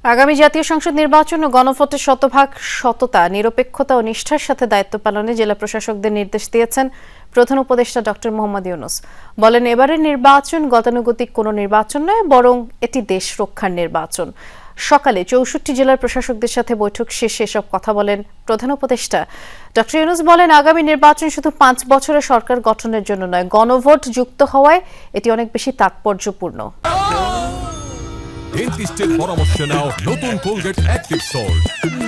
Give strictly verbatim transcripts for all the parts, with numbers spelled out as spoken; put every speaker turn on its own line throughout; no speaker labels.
আগামী জাতীয় সংসদ নির্বাচন ও গণভোটের শতভাগ সততা, নিরপেক্ষতা ও নিষ্ঠার সাথে দায়িত্ব পালনে জেলা প্রশাসকদের নির্দেশ দিয়েছেন প্রধান উপদেষ্টা ডক্টর মোহাম্মদ ইউনূস। বলেন, এবারের নির্বাচন গতানুগতিক কোনো নির্বাচন নয়, বরং এটি দেশ রক্ষার নির্বাচন। সকালে চৌষট্টি জেলার প্রশাসকদের সাথে বৈঠক শেষে এসব কথা বলেন প্রধান উপদেষ্টা। ডক্টর ইউনূস বলেন, আগামী নির্বাচন শুধু পাঁচ বছরের সরকার গঠনের জন্য নয়, গণভোট যুক্ত হওয়ায় এটি অনেক বেশি তাৎপর্যপূর্ণ।
ডেন্টিস্টের পরামর্শ নাও নতুন কোলগেট অ্যাক্টিভ সল্ট।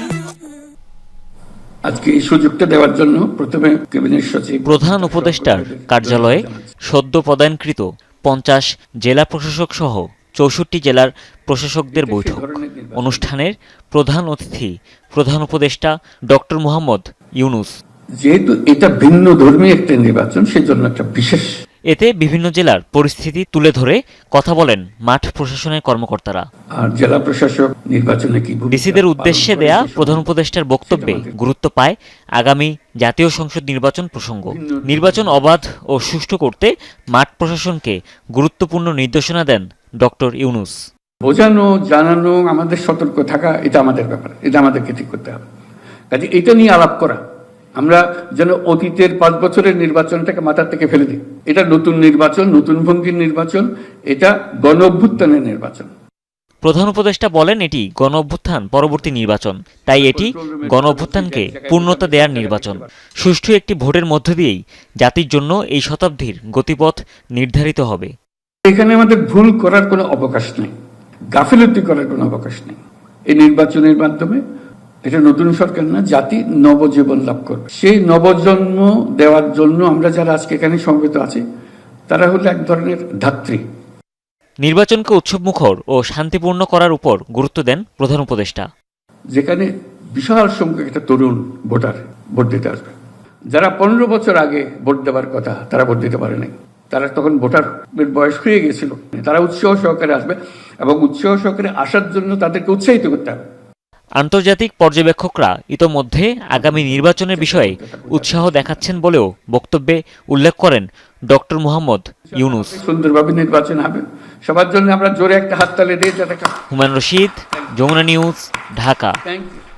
আজকে এই সুযোগটা দেওয়ার জন্য প্রথমে ক্যাবিনেট সচিব
প্রধান উপদেষ্টার কার্যালয়ে সদ্য পদায়নকৃত পঞ্চাশ জেলা প্রশাসক সহ চৌষট্টি জেলার প্রশাসকদের বৈঠক। অনুষ্ঠানের প্রধান অতিথি প্রধান উপদেষ্টা ডক্টর মোহাম্মদ ইউনূস।
যেহেতু এটা ভিন্ন ধর্মী একটা নির্বাচন, সেজন্য একটা বিশেষ
এতে বিভিন্ন জেলার পরিস্থিতি তুলে ধরে কথা বলেন মাঠ প্রশাসনের কর্মকর্তারা।
আর জেলা প্রশাসক নির্বাচনে কি
ডিসিদের উদ্দেশ্যে দেয়া প্রধান উপদেষ্টার বক্তব্যে গুরুত্ব পায় আগামী জাতীয় সংসদ নির্বাচন প্রসঙ্গ। নির্বাচন অবাধ ও সুষ্ঠু করতে মাঠ প্রশাসনকে গুরুত্বপূর্ণ নির্দেশনা দেন ডক্টর ইউনূস।
বোঝানো, জানানো, আমাদের সতর্ক থাকা, এটা আমাদের ব্যাপার, এটা আমাদেরকে ঠিক করতে হবে। কাজে এটা নিয়ে আলাপ করা, আমরা যেন অতীতের পাঁচ বছরের নির্বাচনটাকে মাথার থেকে ফেলে দিই। এটা নতুন নির্বাচন, নতুন ভঙ্গির নির্বাচন, এটা গণ অভ্যুত্থানের নির্বাচন।
প্রধান উপদেষ্টা বলেন, এটি গণ অভ্যুত্থান পরবর্তী নির্বাচন, তাই এটি গণ অভ্যুত্থানকে পূর্ণতা দেওয়ার নির্বাচন। সুষ্ঠু একটি ভোটের মধ্য দিয়েই জাতির জন্য এই শতাব্দীর গতিপথ নির্ধারিত হবে।
এখানে আমাদের ভুল করার কোনো অবকাশ নেই, গাফিলতি করার কোনো অবকাশ নেই। এই নির্বাচনের মাধ্যমে এটা নতুন সরকার না, জাতি নবজীবন লাভ করবে। সেই নবজন্ম দেওয়ার জন্য আমরা যারা আজকে এখানে সমবেত আছি, তারা হলো এক ধরনের ধাত্রী।
নির্বাচনকে উৎসবমুখর ও শান্তিপূর্ণ করার উপর গুরুত্ব দেন প্রধান উপদেষ্টা।
যেখানে বিশাল সংখ্যক একটা তরুণ ভোটার ভোট দিতে আসবে, যারা পনেরো বছর আগে ভোট দেওয়ার কথা তারা ভোট দিতে পারে নাই, তারা তখন ভোটারের বয়স হয়ে গেছিল, তারা উৎসাহ সহকারে আসবে এবং উৎসাহ সহকারে আসার জন্য তাদেরকে উৎসাহিত করতে হবে।
আন্তর্জাতিক পর্যবেক্ষকরা ইতোমধ্যে আগামী নির্বাচনের বিষয়ে উৎসাহ দেখাচ্ছেন বলেও বক্তব্যে উল্লেখ করেন ডক্টর মোহাম্মদ ইউনূস।
সুন্দরভাবে নির্বাচন হবে, সবার জন্য আমরা জোরে একটা হাততালি দিই।
Humayun Rashid, Jamuna news, Dhaka.
Thank you.